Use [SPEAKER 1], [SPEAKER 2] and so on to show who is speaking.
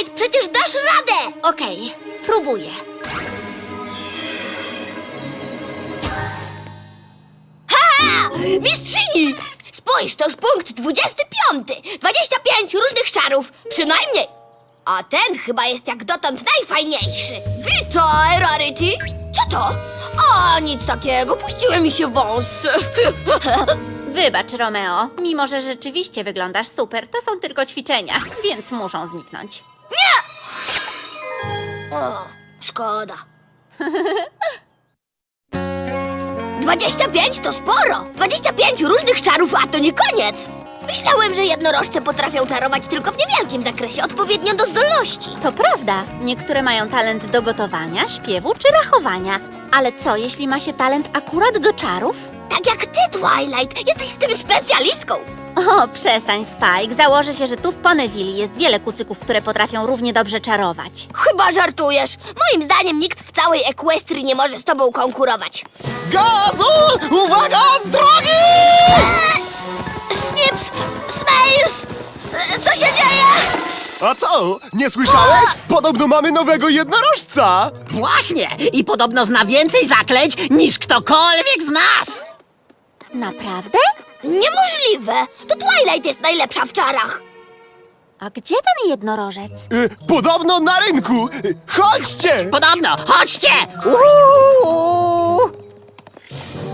[SPEAKER 1] Twilight, przecież dasz radę!
[SPEAKER 2] Okej, próbuję.
[SPEAKER 1] Ha! Mistrzyni! Spójrz, to już punkt 25. 25 różnych czarów, przynajmniej. A ten chyba jest jak dotąd najfajniejszy. Witaj, Rarity! Co to? O, nic takiego, puściły mi się wąsy.
[SPEAKER 2] Wybacz, Romeo. Mimo, że rzeczywiście wyglądasz super, to są tylko ćwiczenia, więc muszą zniknąć.
[SPEAKER 1] O, szkoda. 25 to sporo! 25 różnych czarów, a to nie koniec! Myślałem, że jednorożce potrafią czarować tylko w niewielkim zakresie, odpowiednio do zdolności.
[SPEAKER 2] To prawda, niektóre mają talent do gotowania, śpiewu czy rachowania. Ale co, jeśli ma się talent akurat do czarów?
[SPEAKER 1] Tak jak ty, Twilight, jesteś w tym specjalistką!
[SPEAKER 2] O, przestań, Spike. Założę się, że tu w Ponyville jest wiele kucyków, które potrafią równie dobrze czarować.
[SPEAKER 1] Chyba żartujesz. Moim zdaniem nikt w całej Equestrii nie może z tobą konkurować.
[SPEAKER 3] Gazu! Uwaga, z drogi!
[SPEAKER 1] Snips! Snails! Co się dzieje?
[SPEAKER 3] A co? Nie słyszałeś? Podobno mamy nowego jednorożca!
[SPEAKER 4] Właśnie! I podobno zna więcej zaklęć niż ktokolwiek z nas!
[SPEAKER 2] Naprawdę?
[SPEAKER 1] Niemożliwe! To Twilight jest najlepsza w czarach.
[SPEAKER 2] A gdzie ten jednorożec?
[SPEAKER 3] Podobno na rynku! Chodźcie!
[SPEAKER 4] Podobno! Chodźcie! Uuu!